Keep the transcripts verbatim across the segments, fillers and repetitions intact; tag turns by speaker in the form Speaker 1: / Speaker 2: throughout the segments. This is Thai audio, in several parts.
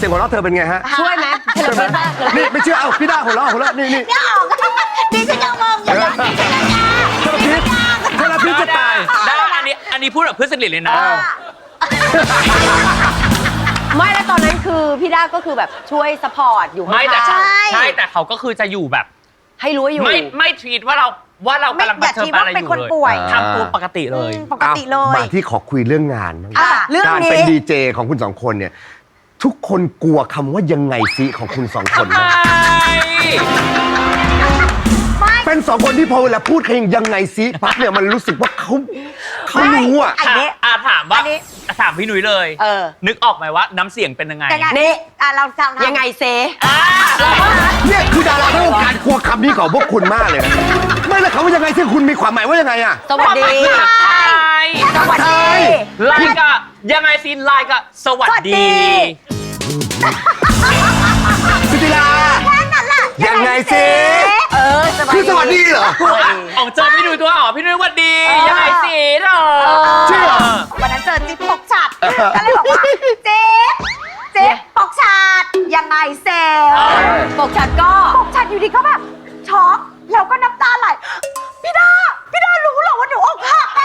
Speaker 1: สียงหัวเราะเธอเป็นไงฮะ
Speaker 2: ช่วยไหมช่วยไหม
Speaker 1: นี่ไม่เชื่อเอาพี่ด้าหัวเราะหัวเราะนี่นี่
Speaker 3: ไม่ออกดิฉันยังงงอยู่นะดิฉันยังงง
Speaker 1: เธอพิษเธอพิษจะตาย
Speaker 4: ได้อันนี้อันนี้พูดแบบเพื่อนสนิทเลยนะ
Speaker 2: ไม่แล้วตอนนั้นคือพี่ด้าก็คือแบบช่วยซัพพอร์ตอยู่
Speaker 4: ไม่แต่
Speaker 2: ใช่
Speaker 4: ใช่แต่เขาก็คือจะอยู่แบบ
Speaker 2: ให้รู้อยู่
Speaker 4: ไม่ไม่ทวีตว่าเราว่าเรากำลัง
Speaker 3: อย่า
Speaker 4: เผชิ
Speaker 3: คิ
Speaker 4: ญ
Speaker 3: ด
Speaker 4: อะไร
Speaker 3: ว่า
Speaker 4: อ
Speaker 3: เป็น
Speaker 4: ยู่
Speaker 3: คน
Speaker 4: เลย
Speaker 3: ป่วย
Speaker 4: ทำตัวปกติเลย
Speaker 3: ปกติเลย
Speaker 1: มาที่ขอคุยเรื่องงานบ้าง
Speaker 2: เรื่อง
Speaker 1: การ
Speaker 2: นี้
Speaker 1: เป็นดีเจของคุณสองคนเนี่ยทุกคนกลัวคำว่ายังไงซิของคุณสองคนนะเป็นสองคนที่พอเวลาพูดใครยังไงซิปั๊บเนี่ยมันรู้สึกว่าเขาเขารู้อ่ะ
Speaker 3: อันนี้
Speaker 4: อ่ะถามว่า
Speaker 3: อันนี้
Speaker 4: ถามพี่หนุ่ยเลย
Speaker 2: เออ
Speaker 4: นึกออกไหมว่าน้ำเสียงเป็นยังไง
Speaker 3: ยังไง
Speaker 2: นี่
Speaker 3: อ่ะเราทำ
Speaker 2: ยังไงเซ
Speaker 4: อ่า
Speaker 1: เนี่ยคือดาราทั้งวงการกลัวคำนี้ของพวกคุณมากเลยนะไม่แล้วคำว่ายังไงซิคุณมีความหมายว่ายังไงอ่ะ
Speaker 2: สวัสดี
Speaker 4: ใช่
Speaker 3: สวัสดี
Speaker 4: ไลน์ก็ยังไงซีนไลน์ก็สวัส
Speaker 3: สวัสดี
Speaker 4: ดี
Speaker 1: สุธิลา
Speaker 3: แค่นั้นแหละ
Speaker 1: ยังไงซิ
Speaker 2: เออสวัส
Speaker 1: คือ
Speaker 2: ดี
Speaker 1: สวัสดีเหรอ
Speaker 4: ออกเจอพี่หนุ่ยตัวอ๋อพี่หนุ่ยสวัสดียังไงซีนเหรอ
Speaker 1: เชื่อ
Speaker 3: วันนั้นเจอจิ๊บปกฉัดก็เลยบอกว่าจิ๊บจิ๊บปกฉัดยังไงเซล
Speaker 2: ปกชัดก็
Speaker 3: ปกฉัดอยู่ดีก็แบบช็อกแล้วก็น้ำตาไหลพี่ดาพี่ดารู้เหรอว่าหนูอกหักอะ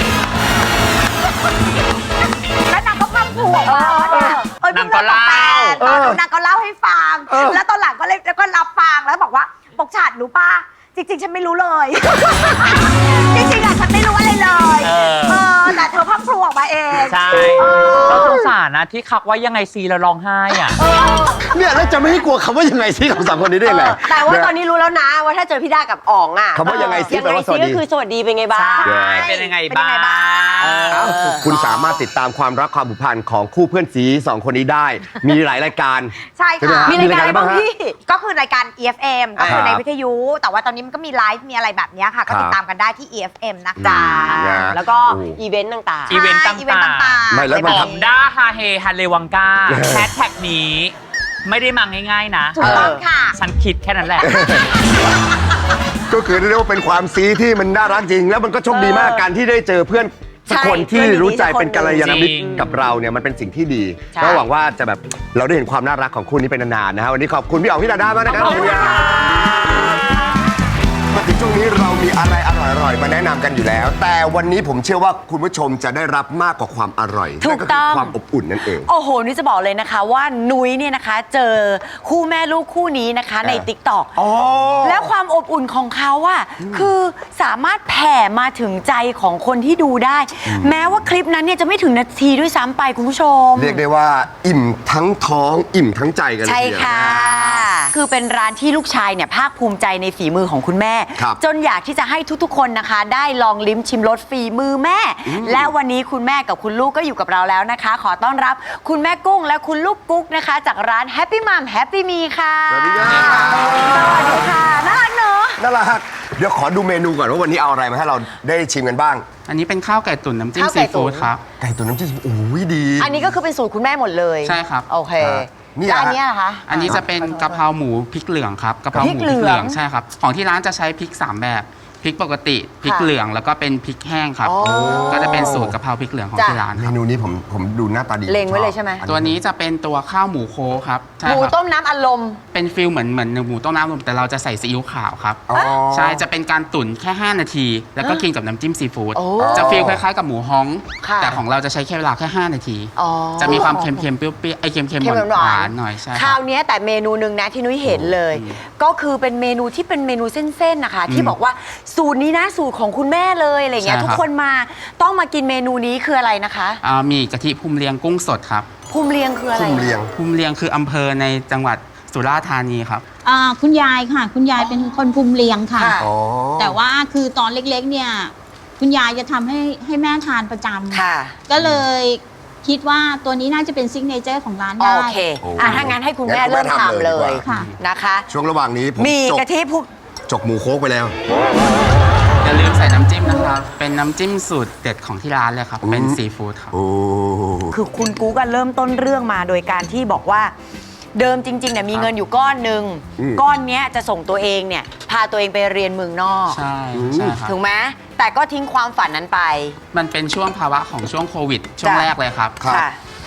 Speaker 3: แล้วนางก็พังผัวมาว่าเนี่ยเอ้ย
Speaker 4: นางก็เล่า
Speaker 3: ตอนนั้นนางก็เล่าให้ฟัง แล้วตอนหลังก็เลยก็รับฟังแล้วบอกว่าปกฉัดรู้ป่ะจริงๆฉันไม่รู้เลย จริงๆอะฉันไม่รู้อะไรเลย
Speaker 4: เออ
Speaker 3: เออแต่เธอพังผัวออกมาเอง
Speaker 4: ใช่เราสงสารนะที่คักว่ายังไงซีแล้วร้องไห้อ่ะ
Speaker 1: เนี่ยแล้วจะไม่ให้กลัวคำว่ายังไงซิของสองคนนี้ได้ยังไง
Speaker 2: แต่ว่าตอนนี้รู้แล้วนะว่าถ้าเจอพี่ด้ากับอ๋องอ่ะ
Speaker 1: คำว่ายังไงซิ
Speaker 2: ยัง
Speaker 1: แปล
Speaker 2: ไง
Speaker 1: ว่าส
Speaker 2: ซิ
Speaker 1: วัส
Speaker 2: ก็
Speaker 1: ดี
Speaker 2: คือสวัสดีเป็นไงบ้าง
Speaker 4: ใช่เป็นยังไงบ้าง
Speaker 2: เออ
Speaker 1: คุณสามารถติดตามความรักความผูกพันของคู่เพื่อนสีสองคนนี้ได้ มีหลายรายการ
Speaker 3: ใช่
Speaker 1: ใช่ไหม
Speaker 3: ค่ะ
Speaker 1: ฮะ
Speaker 2: มีรายการอะไรบ้าง
Speaker 1: ฮะ
Speaker 2: พี่
Speaker 3: ก็คือรายการ อี เอฟ เอ็ม ก็คือ
Speaker 1: ครับ
Speaker 3: ในวิทยุ แต่ว่าตอนนี้มันก็มีไลฟ์มีอะไรแบบเนี้ยค่ะ ก็ติดตามกันได้ที่ อี เอฟ เอ็ม นะคะ
Speaker 2: จ้า
Speaker 1: นะ
Speaker 2: แล้วก็
Speaker 1: โอ้
Speaker 2: อีเวนต์ต่าง
Speaker 4: อีเวนต์ต่างๆ
Speaker 3: อีเวนต์ต่างๆ
Speaker 1: ไม่แล้วมัน
Speaker 4: ห
Speaker 1: ท
Speaker 4: อมด้าฮาเฮฮันเลวังกาแฮชแท็กนี้ ไม่ได้มาง่ายๆนะ
Speaker 3: ถูกต้องค่ะ
Speaker 4: ฉันคิดแค่นั้นแหละ
Speaker 1: ก็คือเรียกว่าเป็นความซีที่มันน่ารักจริง แล้วมันก็โชคดีมากการที่ได้เจอเพื่อนสักคนที่รู้ใจเป็นกัลยาณมิตร
Speaker 4: จริง
Speaker 1: กับเราเนี่ยมันเป็นสิ่งที่ดี
Speaker 2: ใช่
Speaker 1: ก็หวังว่าจะแบบเราได้เห็นความน่ารักของคู่นี้เป็นนานๆนะฮะวันนี้ขอบคุณพี่อ๋องพี่ดาด้ามากนะครับ
Speaker 4: ขอบคุณค่ะ
Speaker 1: มาถึงช่วงนี้เรามีอะไรอร่อยๆมาแนะนำกันอยู่แล้ว แต่วันนี้ผมเชื่อว่าคุณผู้ชมจะได้รับมากกว่าความอร่อย
Speaker 2: ถูกต้อง
Speaker 1: นั่นคือความอบอุ่นนั่นเอง
Speaker 2: โอ้โหนี่จะบอกเลยนะคะว่านุ้ยเนี่ยนะคะ เจอคู่แม่ลูกคู่นี้นะคะใน
Speaker 1: เออ
Speaker 2: ติ๊กต็อก
Speaker 1: อ๋อ
Speaker 2: แล้วความอบอุ่นของเขาอะคือสามารถแผ่มาถึงใจของคนที่ดูได้ แม้ว่าคลิปนั้นเนี่ยจะไม่ถึงนาทีด้วยซ้ำไปคุณผู้ชม
Speaker 1: เรียกได้ว่าอิ่มทั้งท้องอิ่มทั้งใจกันเลย
Speaker 2: ใช่
Speaker 1: ทีเดียว
Speaker 2: ค่ะ คือเป็นร้านที่ลูกชายเนี่ยภาคภูมิใจในฝีมือของคุณแม่
Speaker 1: ครับ
Speaker 2: จนอยากที่จะให้ทุกๆ คนนะคะ ได้ลองลิ้มชิมรสฝีมือแม่ และวันนี้คุณแม่กับคุณลูกก็อยู่กับเราแล้วนะคะ ขอต้อนรับคุณแม่กุ้งและคุณลูกกุ๊กนะคะ จากร้าน Happy Mom Happy Me ค่ะ
Speaker 1: สวัสดีครับ
Speaker 2: สวัสดีค่ะน่ารักเนอะ
Speaker 1: น่ารักเดี๋ยวขอดูเมนูก่อนว่าวันนี้เอาอะไรมาให้เราได้ชิมกันบ้าง
Speaker 5: อันนี้เป็นข้าวไก่ตุ๋นน้ำจิ้ม
Speaker 2: ข้าวไก่
Speaker 5: ซี
Speaker 2: ตุ๋
Speaker 5: ฟู้
Speaker 2: น
Speaker 5: ดครับ
Speaker 1: ไก่ตุ๋นน้ำจิ้มโอ้ยดี
Speaker 2: อันนี้ก็คือเป็นสูตรคุณแม่หมดเลย
Speaker 5: ใช่ครับ
Speaker 2: โอเค
Speaker 1: อ่านี่
Speaker 2: แล้วอัน
Speaker 1: ฮะ
Speaker 2: เนี้ยเหรอคะ
Speaker 5: อันนี้จะเป็นกะเพราหมูพริกเหลืองครับกะเพราหมู
Speaker 2: พริ
Speaker 5: พ
Speaker 2: ก
Speaker 5: ริก
Speaker 2: เหลือง
Speaker 5: เหลืองใช่ครับของที่ร้านจะใช้พริกสามแบบพริกปกติพริก
Speaker 2: ค่ะ
Speaker 5: เหลืองแล้วก็เป็นพริกแห้งครับ
Speaker 2: อ๋อ
Speaker 5: ก็จะเป็นสูตรกะเพราพริกเหลืองของ
Speaker 2: จ้ะ
Speaker 5: ที่ร้าน
Speaker 1: เม
Speaker 5: ครับ
Speaker 1: นูนี้ผมผมดูหน้าตาดี
Speaker 2: เล็งไว้เลยใช่ไหม
Speaker 1: อั
Speaker 5: ตัวนี้จะเป็นตัวข้าวหมูโคครับใช่
Speaker 2: หมู
Speaker 5: ครับ
Speaker 2: ต้มน้ำอัดลม
Speaker 5: เป็นฟิลเหมือนเหมือนหมูต้มน้ำลมแต่เราจะใส่ซีอิ๊วขาวครับ
Speaker 1: อ๋อ
Speaker 5: ใช่จะเป็นการตุ๋นแค่ ห้า นาที แล้วก็กินกับน้ำจิ้มซีฟู้ด
Speaker 2: โอ้
Speaker 5: จะฟีลคล้ายๆกับหมูฮ้อง
Speaker 2: ค่ะ
Speaker 5: แต่ของเราจะใช้แค่เวลาแค่ ห้า นาที
Speaker 2: อ๋อ
Speaker 5: จะมีความเค็มๆเปรี้ยวๆไอ้เค็มๆ
Speaker 2: เค็ม
Speaker 5: ห
Speaker 2: หวาว
Speaker 5: าน นๆหน่อยใช่
Speaker 2: ค
Speaker 5: ค
Speaker 2: รา
Speaker 5: รั
Speaker 2: ว
Speaker 5: บ
Speaker 2: เนี้ยแต่เมนูหนึ่งนะที่นุ้ยเห็นเลย ก็คือเป็นเมนูที่เป็นเมนูเส้นๆนะคะ ที่บอกว่าสูตรนี้นะสูตรของคุณแม่เลยอะไรเงี้ย
Speaker 5: ใช่ครับ
Speaker 2: ทุกคนมาต้องมากินเมนูนี้คืออะไรนะคะ
Speaker 5: อ่ามีกะทิภูมิเลียงกุ้งสดครับ
Speaker 2: ภูมิเลียงคืออะไร
Speaker 1: คุมเรียง
Speaker 5: ภูมิเลียงคืออำเภอในจังหวัดสุราษฎร์ธานีครับ
Speaker 6: อ่าคุณยายค่ะ คุณยายเป็นคนภูมิเลียงค่ะ
Speaker 2: ค่ะ
Speaker 1: อ๋อ
Speaker 6: แต่ว่าคือตอนเล็กๆเนี่ยคุณยายจะทำให้ให้แม่ทานประจำ
Speaker 2: ค่ะ
Speaker 6: ก็เลยคิดว่าตัวนี้น่าจะเป็นซิกเนเจอร์ของร้านได้
Speaker 2: โอเคอ่ะถ้างั้นให้คุณแม่เริ่มทำเลย
Speaker 6: ค่ะ
Speaker 2: นะคะ
Speaker 1: ช่วงระหว่างนี้ผม
Speaker 2: มี
Speaker 1: จก
Speaker 2: กะทิภู
Speaker 1: จกหมูโคกไปแล้ว
Speaker 5: อย่าลืมใส่น้ำจิ้มนะครับ เป็นน้ำจิ้มสูตรเด็ดของที่ร้านเลยครับ เป็น
Speaker 1: อืม
Speaker 5: ซีฟู้ดครับ
Speaker 1: โอ้
Speaker 2: คือคุณกูก็เริ่มต้นเรื่องมาโดยการที่บอกว่า เดิมจริงๆเนี่ยมีเงินอยู่ก้อนหนึ่งก้อนเนี้ยจะส่งตัวเองเนี่ยพาตัวเองไปเรียนเมืองนอก
Speaker 5: ใช่ใช่ครับ
Speaker 2: ถูกไหมแต่ก็ทิ้งความฝันนั้นไป
Speaker 5: มันเป็นช่วงภาวะของช่วงโควิด ช่วง
Speaker 2: จ้ะ
Speaker 5: แรกเลยครับ
Speaker 2: ค่ะ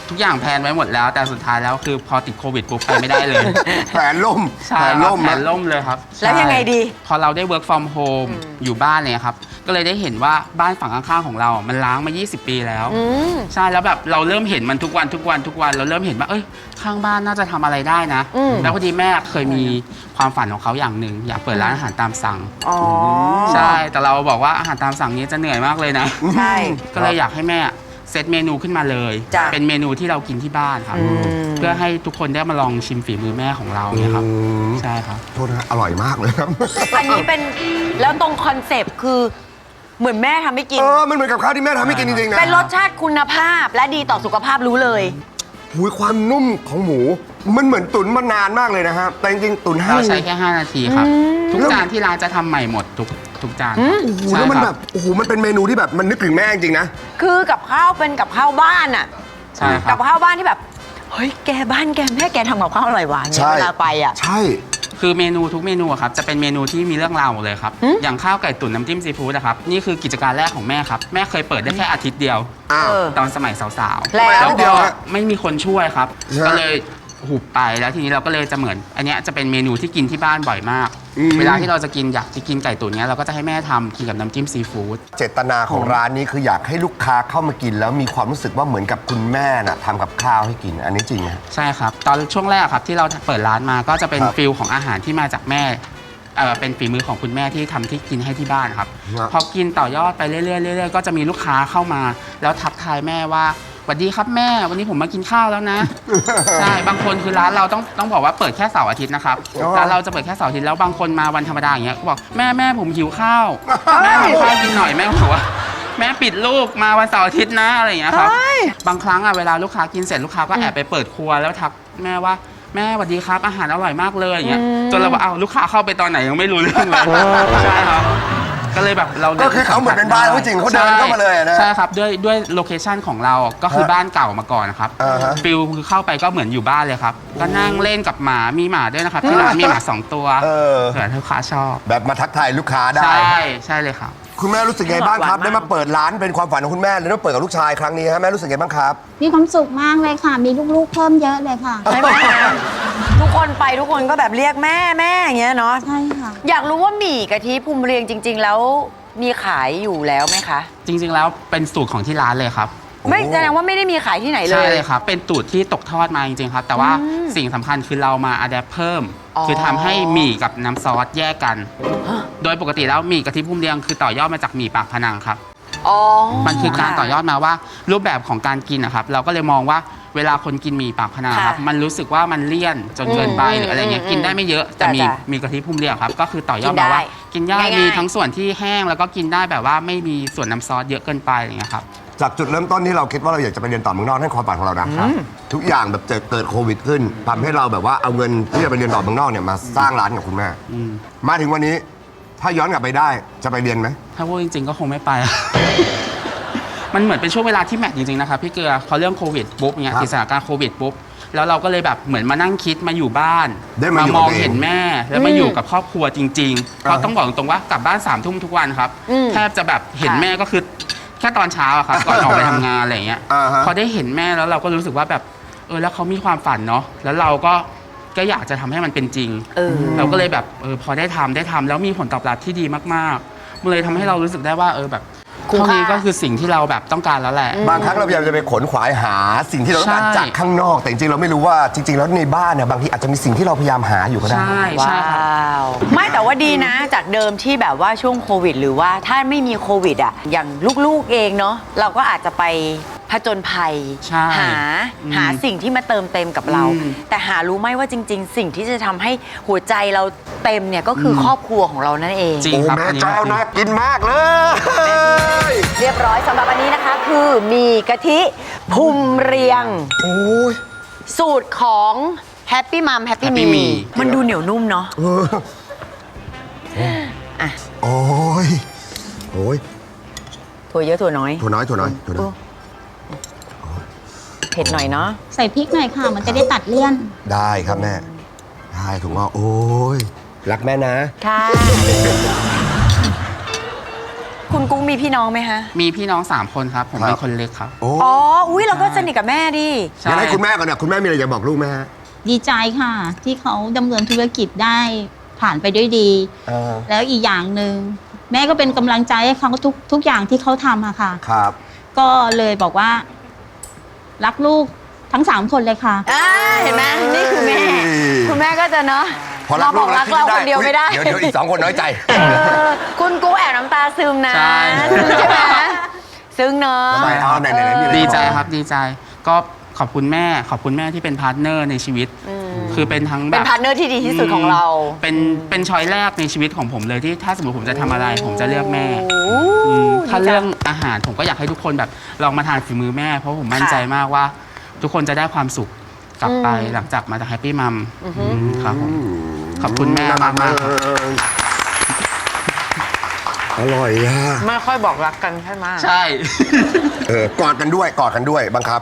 Speaker 5: ทุกอย่างแพลนไว้หมดแล้ว แต่สุดท้ายแล้วคือพอติดโควิดปุ๊บไปไม่ได้เลย
Speaker 1: แผนล่ม
Speaker 5: ใช่
Speaker 1: แผน
Speaker 5: ครับ
Speaker 1: ล่ม
Speaker 5: แผ
Speaker 1: นะ
Speaker 5: นล่มเลยครับ
Speaker 2: แล้วยังไงดี
Speaker 5: ใช่พอเราได้ work from home อยู่บ้านเนี่ยครับก็เลยได้เห็นว่าบ้านฝั่งข้างๆของเราอ่ะมันล้างมา ยี่สิบ ปีแล้ว
Speaker 2: อืม
Speaker 5: ใช่แล้วแบบเราเริ่มเห็นมันทุกวันทุกวันทุกวันเราเริ่มเห็นว่าเอ้ยข้างบ้านน่าจะทำอะไรได้นะ
Speaker 2: อืม
Speaker 5: แล้วพอดีแม่เคยมีความฝันของเขาอย่างหนึ่งอยากเปิดร้านอาหารตามสั่ง
Speaker 2: อ๋อ
Speaker 5: ใช่แต่เราบอกว่าอาหารตามสั่งนี้จะเหนื่อยมากเลยนะ
Speaker 2: ใช่
Speaker 5: ก็เลยอยากให้แม่เซตเมนูขึ้นมาเลย
Speaker 2: จ้ะ
Speaker 5: เป็นเมนูที่เรากินที่บ้านครับ
Speaker 2: อืม
Speaker 5: เพื่อให้ทุกคนได้มาลองชิมฝีมือแม่ของเราเนี่ยครับ
Speaker 1: อืม
Speaker 5: ใช่ครับ
Speaker 1: โทษนะอร่อยมากเลยครับ
Speaker 2: อันนี้เป็นแล้วตรงคอนเซปต์คือเหมือนแม่ทำให้กิน
Speaker 1: เออ มันเหมือนกับข้าวที่แม่ทำให้กินจริงๆนะ
Speaker 2: เป็นรสชาติคุณภาพและดีต่อสุขภาพรู้เลย
Speaker 1: หูยความนุ่มของหมู มันเหมือนตุ๋นมานานมากเลยนะฮะ แต่จริงๆตุ๋นห้า
Speaker 5: เรา
Speaker 1: นา
Speaker 5: ใช้
Speaker 1: ที
Speaker 5: แค่ ห้า นาทีครับ ทุกจานที่ร้านจะทำใหม่หมดทุกทุกจานครับ
Speaker 1: โอ้โห
Speaker 5: ใช่
Speaker 1: แล้วมัน
Speaker 5: ค
Speaker 1: แบ
Speaker 5: รับบ
Speaker 1: โอ้โห มันเป็นเมนูที่แบบมันนึกถึงแม่จริงๆนะ
Speaker 2: คือกับข้าวเป็นกับข้าวบ้านอ่ะ
Speaker 5: ใช่ครั
Speaker 2: กับ บข้าวบ้านที่แบบเฮ้ยแกบ้านแกแม่แกทำกับข้าวอร่อยหวานเนี่ยเวลาไปอ่ะ
Speaker 1: ใช่
Speaker 5: คือเมนูทุกเมนูอะครับจะเป็นเมนูที่มีเรื่องราวหมดเลยครับ อย่างข้าวไก่ตุ๋นน้ำจิ้มซีฟู้ดนะครับนี่คือกิจการแรกของแม่ครับแม่เคยเปิดได้แค่อาทิตย์เดียว
Speaker 1: อ้าว
Speaker 2: เออ
Speaker 5: ตอนสมัยสาวๆ
Speaker 2: แล้ว
Speaker 5: แล้ว
Speaker 1: เดี
Speaker 5: ก็
Speaker 1: ยวฮะ
Speaker 5: ไม่มีคนช่วยครับ
Speaker 1: ฮะ
Speaker 5: ก็เลยหุบไปแล้วทีนี้เราก็เลยจะเหมือน อันเนี้ยจะเป็นเมนูที่กินที่บ้านบ่อยมาก
Speaker 1: อืม
Speaker 5: เวลาที่เราจะกินอยากจะกินไก่ตุ๋นเนี้ยเราก็จะให้แม่ทำกินกับน้ำจิ้มซีฟู้ด
Speaker 1: เจตนาของร้านนี้คืออยากให้ลูกค้าเข้ามากิน แล้วมีความรู้สึกว่าเหมือนกับคุณแม่น่ะทำกับข้าวให้กิน อันนี้จริงไหม
Speaker 5: ใช่ครับ ตอนช่วงแรกครับที่เราเปิดร้านมาก็จะเป็น
Speaker 1: ครับ
Speaker 5: ฟิลของอาหารที่มาจากแม่เอ่อเป็นฝีมือของคุณแม่ที่ทำที่กินให้ที่บ้านครับ
Speaker 1: ครับ
Speaker 5: พอกินต่อยอดไปเรื่อยๆเรื่อยๆก็จะมีลูกค้าเข้ามา แล้วทักทายแม่ว่าสวัสดีครับแม่วันนี้ผมมากินข้าวแล้วนะ ใช่บางคนคือร้านเราต้องต้องบอกว่าเปิดแค่เสาร์อาทิตย์นะครับ
Speaker 1: อ๋อ
Speaker 5: ร้านเราจะเปิดแค่เสาร์อาทิตย์แล้วบางคนมาวันธรรมดาอย่างเงี้ยก็บอกแม่แม่ผมหิวข้าวแม่ทำข้าวกินหน่อยแม่บอกว่าแม่ปิดลูกมาวันเสาร์อาทิตย์นะอะไรอย่างเงี้ยครับ บางครั้งอ่ะเวลาลูกค้ากินเสร็จลูกค้าก็แอบไปเปิดครัวแล้วทักแม่ว่าแม่สวัสดีครับอาหารอร่อยมากเลยอย่างเงี้ยจนเราบอกอ้าวลูกค้าเข้าไปตอนไหนยังไม่รู้เรื่องเลยใช่ครับก็เลยแบบเรา
Speaker 1: ก็คือเขาเหมือนเป็นบ้านเขาจริงเขาเดินเข้ามาเลยอะนะ
Speaker 5: ใช่ครับด้วยด้วยโลเคชันของเราก็คือบ้านเก่ามาก่อนนะครับ
Speaker 1: อ่าฮะ
Speaker 5: ฟิลคือเข้าไปก็เหมือนอยู่บ้านเลยครับก็นั่งเล่นกับหมามีหมาด้วยนะครับที่ร้านมีหมาสองตัว
Speaker 1: เออ
Speaker 5: เผื่อลูกค้าชอบ
Speaker 1: แบบมาทักทายลูกค้าได้
Speaker 5: ใช่ใช่เลยครับ
Speaker 1: คุณแม่รู้สึกไงบ้างครับ
Speaker 2: หวานมาก
Speaker 1: ได้มาเปิดร้านเป็นความฝันของคุณแม่เลยได้มาเปิดกับลูกชายครั้งนี้ฮะแม่รู้สึกไงบ้างครับ
Speaker 6: มีความสุขมากเลยค่ะ มีลูกๆเพิ่มเยอะเลยค่ะ
Speaker 2: ใช่ไหมทุกคนไปทุกคนก็แบบเรียกแม่แม่อย่างเงี้ยเนาะ
Speaker 6: ใช่ค่ะ
Speaker 2: อยากรู้ว่าหมี่กะทิภูมิเรียงจริง ๆ แล้วมีขายอยู่แล้วไหมคะ
Speaker 5: จริง ๆ แล้วเป็นสูตรของที่ร้านเลยครับ
Speaker 2: ไม่แสดงว่าไม่ได้มีขายที่ไหนเล
Speaker 5: ใช่
Speaker 2: ย
Speaker 5: เลยครับ เป็นตูดที่ตกทอดมาจริงๆครับ แต่ว่า
Speaker 2: อืม
Speaker 5: สิ่งสำคัญคือเรามาอัดแอปเพิ่ม
Speaker 2: อ๋อ
Speaker 5: คือทำให้หมี่กับน้ำซอสแยกกัน โดยปกติแล้วหมี่กะทิพุ่มเรียงคือต่อยอดมาจากหมี่ปากพนังครับ
Speaker 2: อ๋อ
Speaker 5: มันคือการต่อยอดมาว่ารูปแบบของการกินนะครับ เราก็เลยมองว่าเวลาคนกินหมี่ปากพนังครับ
Speaker 2: ค่ะ
Speaker 5: มันรู้สึกว่ามันเลี่ยนจนเกินไป
Speaker 2: อืม
Speaker 5: หรืออะไรเงี้ย
Speaker 2: อืม
Speaker 5: กินได้ไม่เยอะแต่มี
Speaker 2: จ้ะ
Speaker 5: มีกะทิพุ่มเรียงครับ ก็คือต่อยอด
Speaker 2: กินได้
Speaker 5: มาว่ากินได้
Speaker 2: ง่ายๆ
Speaker 5: มีทั้งส่วนที่แห้งแล้วก็กินได้แบบว่าไม่มีส่วนน้ำซอสเยอะเกินไปอะไรเงี้ยครับ
Speaker 1: จากจุดเริ่มต้นที่เราคิดว่าเราอยากจะไปเรียนต่อเมืองนอกนั่นความฝันของเรานะครับทุกอย่างแบบเจอเกิดโควิดขึ้นทำให้เราแบบว่าเอาเงินที่จะไปเรียนต่อเมืองนอกเนี่ยมาสร้างร้านกับคุณแม่
Speaker 5: อืม
Speaker 1: มาถึงวันนี้ถ้าย้อนกลับไปได้จะไปเรียนไหม
Speaker 5: ถ้าพูดจริงๆก็คงไม่ไป มันเหมือนเป็นช่วงเวลาที่แมทจริงๆนะครับพี่เกลือพอเรื่องโควิดปุ๊บเนี่ย
Speaker 1: ครับ
Speaker 5: ติดสถานการณ์โควิดปุ๊บแล้วเราก็เลยแบบเหมือนมานั่งคิดมาอยู่บ้าน
Speaker 1: ได้มาอยู่
Speaker 5: มอง
Speaker 1: กับตัวเอง
Speaker 5: เห็นแม่ แล้วมาอยู่กับครอบครัวจริงๆเพราะต้องบอกตรงๆว่ากลับบ้านสามทุ่มทุกวันครับ
Speaker 2: อืม
Speaker 5: แทบจะแบบเห็น
Speaker 2: ค่ะ
Speaker 5: แม่ก็คือแค่ตอนเช้าอะครับก่อนออกไปทำงานอะไรอย่างเงี้ย
Speaker 1: อ่าฮะ
Speaker 5: พอได้เห็นแม่แล้วเราก็รู้สึกว่าแบบเออแล้วเขามีความฝันเนาะแล้วเราก็ก็อยากจะทำให้มันเป็นจริง
Speaker 2: เออ
Speaker 5: เราก็เลยแบบเออพอได้ทำได้ทำแล้วมีผลตอบรับที่ดีมากๆมันเลยทำให้เรารู้สึกได้ว่าเออแบบ
Speaker 2: คุ้ม
Speaker 5: เท่า
Speaker 2: ค่า
Speaker 5: นี้ก็คือสิ่งที่เราแบบต้องการแล้วแหละ
Speaker 1: บางครั้งเราพยายามจะไปขนขวายหาสิ่งที่เราต้องการ
Speaker 5: ใช่
Speaker 1: จากข้างนอก แต่จริงๆเราไม่รู้ว่าจริง ๆ แล้วในบ้านเนี่ยบางทีอาจจะมีสิ่งที่เราพยายามหาอยู่ก็ได้
Speaker 5: ใช่ใช่ครับ
Speaker 2: ว้าวไม่แต่ว่าดีนะ จากเดิมที่แบบว่าช่วงโควิด หรือว่าถ้าไม่มีโควิดอ่ะอย่างลูกๆเองเนาะเราก็อาจจะไปผจญภัย
Speaker 5: ใช่
Speaker 2: หา
Speaker 5: อืม
Speaker 2: หาสิ่งที่มาเติมเต็มกับเรา
Speaker 5: อืม
Speaker 2: แต่หารู้ไหมว่าจริง ๆ สิ่งที่จะทำให้หัวใจเราเต็มเนี่ยก็คืออ
Speaker 5: ม
Speaker 2: ครอบครัวของเรานั่นเอง
Speaker 5: จริง
Speaker 1: โอ้
Speaker 5: ครับ
Speaker 1: แม่
Speaker 5: อันนี้
Speaker 1: เจ้า
Speaker 5: จริง
Speaker 1: น่ากินมากเลย
Speaker 2: เรียบร้อยสำหรับอันนี้นะคะ คือมีกะทิภูมิเรียง
Speaker 1: โอ้ย
Speaker 2: สูตรของแฮปปี้มัมแฮปปี้
Speaker 5: Happy
Speaker 2: มี
Speaker 5: Me
Speaker 2: มันดูเหนียวนุ่มเนาะ
Speaker 1: เออ
Speaker 2: อ่ะ
Speaker 1: โอ้ยโอ้ย
Speaker 2: ถั่วเยอะถั่วน้อย
Speaker 1: ถั่วน้อยถั่วน้อยถั่วน้อย
Speaker 2: เผ็ดหน่อยเนาะ
Speaker 6: ใส่พริกหน่อยค่ะ มันจะได้ตัดเลี่ยน
Speaker 1: ได้ครับแม่ได้ถูกว่าโอ้ยรักแม่นะ
Speaker 2: ค่ะ คุณคุณกุ้งมีพี่น้องไหมฮะ
Speaker 5: มีพี่น้องสามคนครับ ผม
Speaker 1: ครั
Speaker 5: เป็
Speaker 1: บ
Speaker 5: นคนเล็กครับ
Speaker 1: โอ้
Speaker 2: อ๋อ อุ้ยเราก็สนิทกับแม่ดิ
Speaker 5: ใช่
Speaker 1: งั้นให้คุณแม่ก่อนเนี่ยคุณแม่มีอะไรจะบอกลูกไหมฮะ
Speaker 6: ดีใจค่ะ ที่เขาดำเนินธุรกิจได้ผ่านไปด้วยดี
Speaker 1: เออ
Speaker 6: แล้วอีกอย่างหนึ่งแม่ก็เป็นกำลังใจให้เขาทุกทุกอย่างที่เขาทำอะค่ะ
Speaker 1: ครับ
Speaker 6: ก็เลยบอกว่า รักลูกทั้งสามคนเลยค่ะ
Speaker 2: อ่าเห็นไหมนี่คือแม่ คุณแม่ก็จะเนาะ
Speaker 1: พอรัก
Speaker 2: มาบอกรักเราคนเดียวไม่ได้
Speaker 1: เดี๋ยวเดี๋ยวอีกสองคนน้อยใจ
Speaker 2: เออคุณกุ้งแอบน้ำตาซึมนะ
Speaker 5: ใช่
Speaker 2: ซึมใช่ไหมซึ้งเนาะ
Speaker 1: ทำไมเอาไหนไหนไหนมีอะไร
Speaker 5: ดีใจ
Speaker 1: จะอก
Speaker 5: ครับดีใจ ก็ขอบคุณแม่ ขอบคุณแม่ที่เป็นพาร์ทเนอร์ในชีวิต คือเป็นทั้งแบ
Speaker 2: เป็น
Speaker 5: บ
Speaker 2: พาร์ทเนอร์ที่ดีที่สุดของเรา
Speaker 5: เป็นเป็นช้อยแรกในชีวิตของผมเลยที่ถ้าสมมติผมจะทำอะไร ผมจะเลือกแม่
Speaker 2: โอ้
Speaker 5: อืมถ้า
Speaker 2: ดีจัง
Speaker 5: เรื่องอาหารผมก็อยากให้ทุกคนแบบลองมาทานฝีมือแม่ เพราะผมมั่น
Speaker 2: ค่ะ
Speaker 5: ใจมากว่า ทุกคนจะได้ความสุขกลับไป
Speaker 2: อืม
Speaker 5: หลังจากมาจากแฮปปี้มัม
Speaker 2: อือฮึ
Speaker 5: ครับผมขอบคุณแม่มากมากๆครับ
Speaker 1: อร่อยอ่ะ
Speaker 2: ไม่ค่อยบอกรักกันใช่ไหม
Speaker 5: ใช่
Speaker 1: เออกอดกันด้วยกอดกันด้วยบังคับ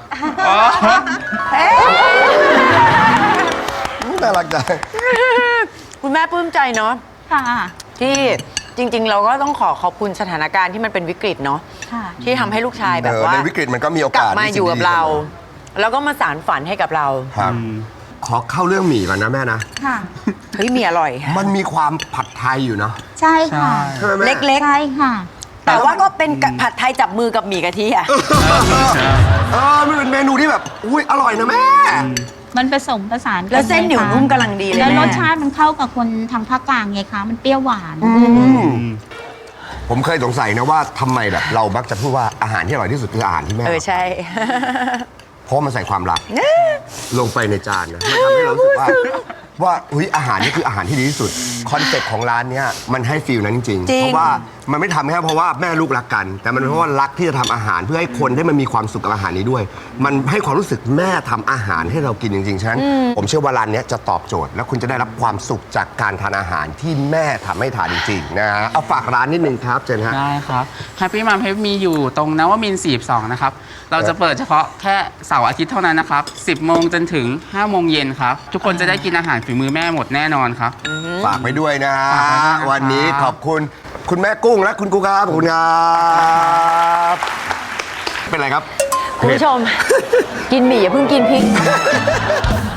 Speaker 1: น่ารักจัง
Speaker 2: คุณแม่ปลื้มใจเนาะ
Speaker 6: ค่ะ
Speaker 2: ที่จริง ๆ เราก็ต้องขอขอบคุณสถานการณ์ที่มันเป็นวิกฤตเนาะ
Speaker 6: ค่ะ
Speaker 2: ที่ทำให้ลูกชายแบบ
Speaker 1: เออ
Speaker 2: ว่า
Speaker 1: ในวิกฤตมันก็มีโอก
Speaker 2: ลับ
Speaker 1: กาส
Speaker 2: มา
Speaker 1: ที่
Speaker 2: อยู่กับ
Speaker 1: ดีๆ
Speaker 2: เรา
Speaker 1: สมอ
Speaker 2: แล้วก็มาสารฝันให้กับเรา
Speaker 1: ครับ ขอเข้าเรื่องหมี่ก่อนนะแม่นะ
Speaker 6: ค่ะ
Speaker 2: เฮ้ยมีอร่อย
Speaker 1: มันมีความผัดไทยอยู่เนาะ
Speaker 6: ใช่ค่ะ
Speaker 1: ใช่ไหมแม่
Speaker 2: เล็ก
Speaker 6: ใช่ค่ะ
Speaker 2: ๆ แต่ว่าก็เป็นผัดไทยจับมือกับหมี่กะทิอะ
Speaker 1: เออมันเป็นเมนูที่แบบ อุ้ยอร่อยนะแม่
Speaker 6: มันผสมผสานกั
Speaker 2: แล้วเส้นเหนียว
Speaker 6: ไงคะ
Speaker 2: นุ่มกำลังดีเลย
Speaker 6: แล้ว
Speaker 2: แม่
Speaker 6: รสชาติมันเข้ากับคนทางภาคกลางไงคะ มันเปรี้ยวหวาน
Speaker 1: ผมเคยสงสัยนะว่าทำไมแบบเรามักจะพูดว่าอาหารที่อร่อยที่สุดคืออาหารที่แม่
Speaker 2: เออใช่
Speaker 1: เพราะมันใส่ความรัก ลงไปในจานนะมันทำให้เรารู้สึกว่า ว่าอุ้ยอาหารนี่คืออาหารที่ดีที่สุดคอนเซ็ปต์ของร้านเนี้ยมันให้ฟีลนั้นจริง
Speaker 2: จริง
Speaker 1: เพราะว่ามันไม่ทำแค่เพราะว่าแม่ลูกรักกัน แต่มันเป็นเพราะว่ารักที่จะทำอาหารเพื่อให้คนได้มันมีความสุขกับอาหารนี้ด้วย มันให้ความรู้สึกแม่ทำอาหารให้เรากินจริงๆฉะนั้นผมเชื่อว่าร้านเนี้ยจะตอบโจทย์ และคุณจะได้รับความสุขจากการทานอาหารที่แม่ทำให้ทานจริงๆนะฮะเอาฝากร้านนิดนึงครับเจนฮะ
Speaker 5: ได้ครับแฮปปี้มัมเฮปมีอยู่ตรงนวมินทร์สี่สิบสองนะครับ เราจะเปิดเฉพาะแค่เสาร์อาทิตย์เท่านั้นนะครับ สิบโมงจนถึงห้าโมงเย็นครับ ทุกคนจะได้กินอาหารฝีมือแม่หมดแน่นอนครับ
Speaker 1: ฝากไปด้วยนะ
Speaker 5: ฝากไว้ด้วยนะครับ
Speaker 1: วันนี้ขอบคุณคุณแม่กุ้งและคุณกูครับขอบคุณครับเป็นไรครับ
Speaker 2: คุณผู้ชม กินหมี่อย่าเพิ่งกินพริก